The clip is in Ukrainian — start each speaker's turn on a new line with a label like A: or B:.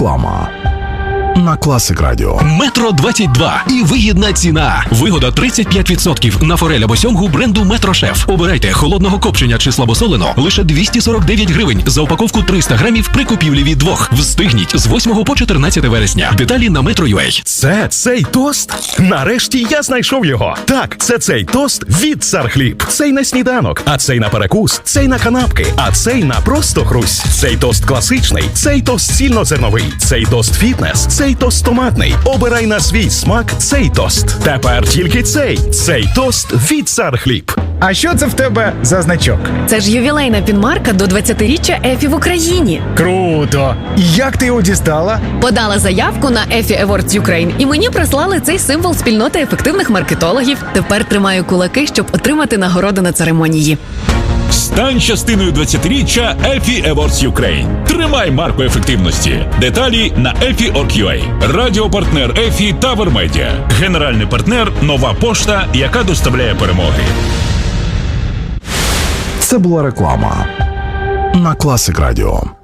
A: Реклама на Класик Радіо.
B: Метро 22 і вигідна ціна. Вигода 35% на форель або сьомгу бренду Метро Шеф. Обирайте холодного копчення чи слабосолено лише 249 гривень за упаковку 300 грамів при купівлі від двох. Встигніть з 8 по 14 вересня. Деталі на Metro.ua.
C: Це цей тост? Нарешті я знайшов його. Так, це цей тост від Цар Хліб. Цей на сніданок, а цей на перекус, цей на канапки, а цей на просто хрусь. Цей тост класичний, цей тост цільнозерновий, цей тост фітнес, цей тост томатний. Обирай на свій смак цей тост. Тепер тільки цей тост від Цар Хліб.
D: А що це в тебе за значок?
E: Це ж ювілейна пінмарка до 20-річчя ЕФІ в Україні.
D: Круто! І як ти його дістала?
E: Подала заявку на EFI Awards Ukraine, і мені прислали цей символ спільноти ефективних маркетологів. Тепер тримаю кулаки, щоб отримати нагороду на церемонії.
F: Стань частиною 20-річчя EFI Awards Ukraine. Тримай марку ефективності. Деталі на EFI.org.ua. Радіопартнер EFI Tower Media. Генеральний партнер Нова пошта, яка доставляє перемоги.
A: Це була реклама на Класик Радіо.